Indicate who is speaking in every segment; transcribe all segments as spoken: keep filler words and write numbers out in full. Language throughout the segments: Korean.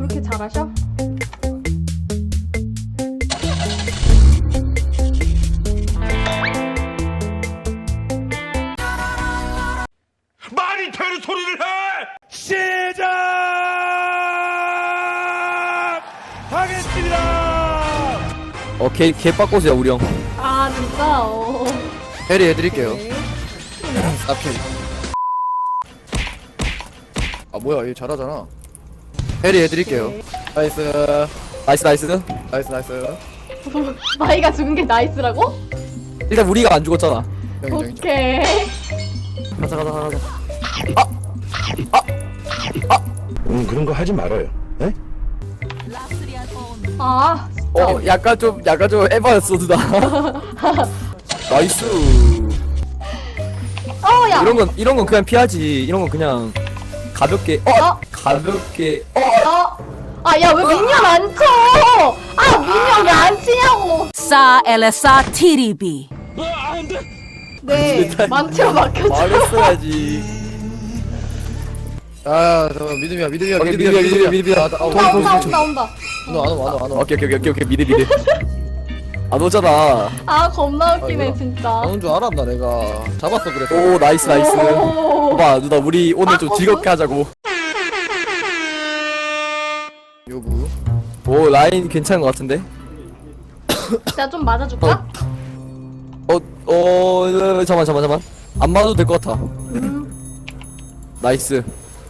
Speaker 1: 그렇게 잘하셔?
Speaker 2: 말이 되는 소리를 해! 시작하겠습니다!
Speaker 3: 어, 개, 개빡고수야, 우리 형.
Speaker 1: 아 진짜? 어.
Speaker 3: 해리 해드릴게요.
Speaker 1: 네.
Speaker 3: 쌉캐리. 아, 뭐야, 얘 잘하잖아. 해리 해드릴게요.
Speaker 1: 네.
Speaker 3: 나이스. 나이스, 나이스. 나이스, 나이스.
Speaker 1: 마이가 죽은 게 나이스라고?
Speaker 3: 일단 우리가 안 죽었잖아. 인정, 인정, 인정.
Speaker 1: 오케이.
Speaker 3: 가자, 가자, 가자.
Speaker 2: 음, 그런 거 하지 말아요. 에?
Speaker 1: 아 진짜.
Speaker 3: 어, 약간 좀, 약간 좀 에바였어, 누나. 나이스.
Speaker 1: 어야.
Speaker 3: 이런 건, 이런 건 그냥 피하지. 이런 건 그냥 가볍게. 어!
Speaker 1: 어?
Speaker 3: 가볍게. 어!
Speaker 1: 어? 아 야 왜 미니언 안 쳐? 아 미니언 왜 안 치냐고?
Speaker 4: Sa Elsa Tiribi.
Speaker 1: 네 만치로 막혀줘.
Speaker 3: 말했어야지.
Speaker 5: 아, 잠깐 믿음이야, 믿음이야,
Speaker 3: 오케이,
Speaker 5: 믿음이야,
Speaker 3: 믿음이야, 믿음이야.
Speaker 5: 아, 나- 아,
Speaker 1: 온다
Speaker 5: 돈, 돈,
Speaker 1: 온다
Speaker 5: 돈,
Speaker 1: 온다 온다.
Speaker 5: 돈. 안 와, 안 와, 안 와.
Speaker 3: 오케이, 오케이, 오케이, 오케이. 미드, 미드. 안 오잖아.
Speaker 1: 아 겁나 웃기네
Speaker 5: 이거-
Speaker 1: 진짜.
Speaker 5: 안 온 줄 알았나, 내가. 잡았어, 그래서.
Speaker 3: 오, 나이스, 나이스.
Speaker 1: 오.
Speaker 3: 봐봐, 누나, 우리 오늘 좀
Speaker 1: 아,
Speaker 3: 즐겁게 하자고.
Speaker 5: 요구.
Speaker 3: 오, 라인 괜찮은 것 같은데?
Speaker 1: 제가 좀 맞아줄까?
Speaker 3: 어, 어, 잠깐만, 잠깐만, 잠깐만. 안 맞아도 될 것 같아.
Speaker 1: 음.
Speaker 3: 나이스.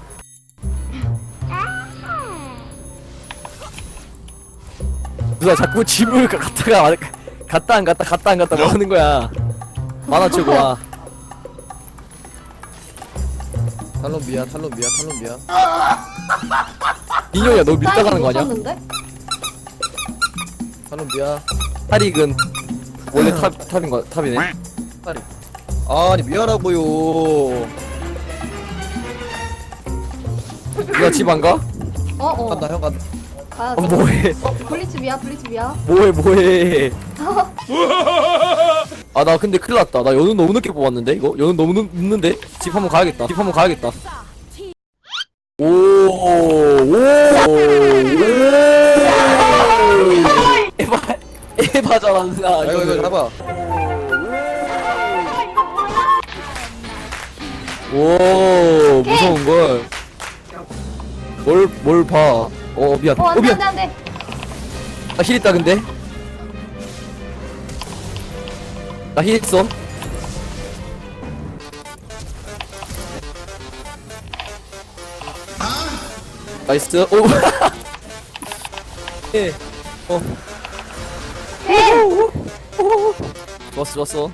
Speaker 3: 누나 자꾸 집을 가- 갔다가 안- 갔다 안 갔다 갔다 안 갔다 뭐 하는 거야. 만화치고 와.
Speaker 5: 탈론 미야, 탈론 미야, 탈론 미야.
Speaker 3: 민영이야, 너 밀다 가는 거 아니야?
Speaker 1: 못
Speaker 5: 탈론 미야.
Speaker 3: 타릭은 원래 탑, 탑인 거 탑이네.
Speaker 5: 탈이. 아니, 미야라고요.
Speaker 3: 누나 집 안 가?
Speaker 1: 어어.
Speaker 5: 간다, 형 간다.
Speaker 1: 가야지.
Speaker 3: 어, 뭐해?
Speaker 1: 어 블리츠 미야 블리츠 미야.
Speaker 3: 뭐해, 뭐해? 아, 나 근데 큰일 났다. 나 연은 너무 늦게 뽑았는데, 이거? 연은 너무 늦, 늦는데? 집 한번 가야겠다. 집 한번 가야겠다. 오, 오, 오. 에바, 에바잖아, 누나.
Speaker 5: 아, 이거, 이거 잡아.
Speaker 3: 오, 무서운걸. 뭘, 뭘 봐. 어, 미안.
Speaker 1: 어
Speaker 3: 어,
Speaker 1: 안돼
Speaker 3: 미안.
Speaker 1: 안돼 안돼.
Speaker 3: 나 힐 있다, 근데. 나 힐 있어. 나이스. 오. 예. 어. 좋았어, 좋았어.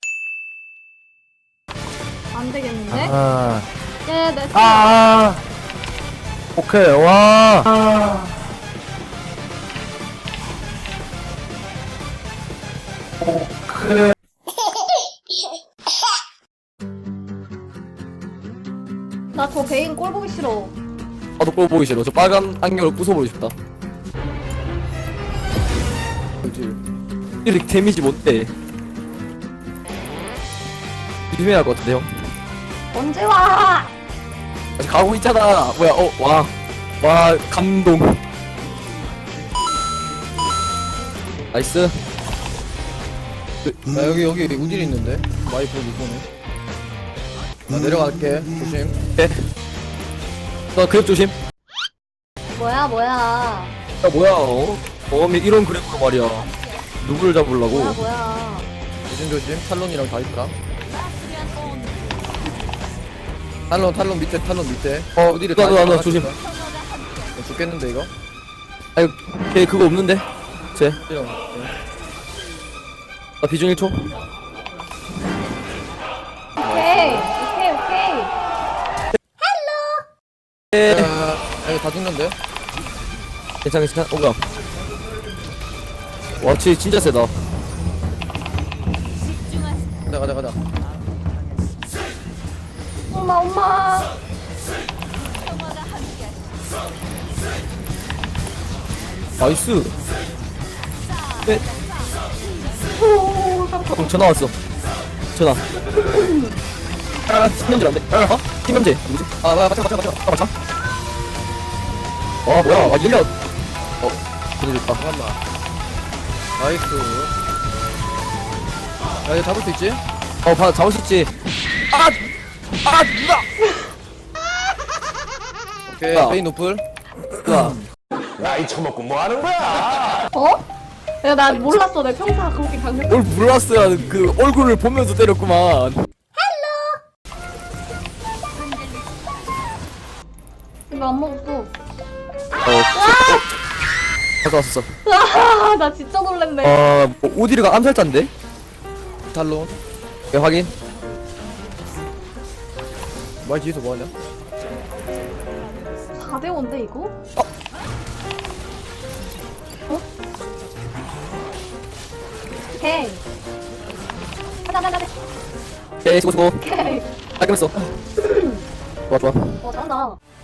Speaker 1: 안 되겠는데?
Speaker 5: 아.
Speaker 1: 예, 네.
Speaker 5: 아. 오케이, 와.
Speaker 1: 나저 베인 꼴 보기 싫어.
Speaker 3: 나도 꼴 보기 싫어. 저 빨간 안경을 부숴보고 싶다. 그렇지. 이렇게 데미지 못돼. 조심해야 할 것 같은데, 형.
Speaker 1: 언제 와?
Speaker 3: 아직 가고 있잖아. 뭐야, 어, 와. 와, 감동. 나이스.
Speaker 5: 야, 여기, 여기 우딜 있는데? 와이프 못 보네. 나 내려갈게. 조심.
Speaker 3: 네. 너 그랩 조심.
Speaker 1: 뭐야 뭐야.
Speaker 3: 야, 뭐야, 어? 어, 이런 그랩으로 말이야. 누구를 잡으려고.
Speaker 1: 뭐야 뭐야.
Speaker 5: 조심, 조심. 탈론이랑 다 있다. 탈론, 탈론 밑에, 탈론 밑에.
Speaker 3: 어,
Speaker 5: 우딜이
Speaker 3: 나도,
Speaker 5: 다
Speaker 3: 나도,
Speaker 5: 있다.
Speaker 3: 조심.
Speaker 5: 어, 죽겠는데, 이거?
Speaker 3: 아유, 걔 그거 없는데? 쟤.
Speaker 5: 형.
Speaker 3: 나 비중 일 초.
Speaker 1: 오케이 오케이 오케이.
Speaker 3: 에.
Speaker 5: 야, 야, 이거 다 죽는데?
Speaker 3: 괜찮아, 괜찮아. 어, 뭐야. 와, 쟤 진짜 세다.
Speaker 5: 가자, 가자, 가자.
Speaker 1: 엄마 엄마.
Speaker 3: 나이스. 네.
Speaker 1: 오 깜짝.
Speaker 3: 형, 전화 왔어. 전화. 아, 팀명질 안 돼. 어? 팀명질. 누구지?
Speaker 5: 아, 맞아, 맞아, 맞아.
Speaker 3: 아, 맞아? 어 뭐야 아 밀려 어 보내줬다
Speaker 5: 잠깐만. 나이스. 야, 이거 잡을 수 있지?
Speaker 3: 어 봐, 잡을 수 있지 아! 아 누나!
Speaker 5: 오케이,
Speaker 3: 야.
Speaker 5: 베인 노플.
Speaker 3: 누나
Speaker 2: 나이 처먹고 뭐 하는 거야?
Speaker 1: 어? 야, 나 몰랐어. 내 평타 그렇게 강력.
Speaker 3: 뭘 몰랐어야 그 얼굴을 보면서 때렸구만
Speaker 1: 이거 안 먹었어.
Speaker 3: 어 가져왔었어
Speaker 1: 아, 나 진짜 놀랬네.
Speaker 3: 어 뭐, 오디르가 암살자인데?
Speaker 5: 탈론.
Speaker 3: 네 확인
Speaker 5: 말 뒤에서 뭐하냐?
Speaker 1: 사 대 오인데 이거? 어? 오케이. 가자, 가자, 가자.
Speaker 3: 오케이 수고 수고
Speaker 1: 오케이.
Speaker 3: 깔끔했어 좋아 좋아
Speaker 1: 어, 잘한다.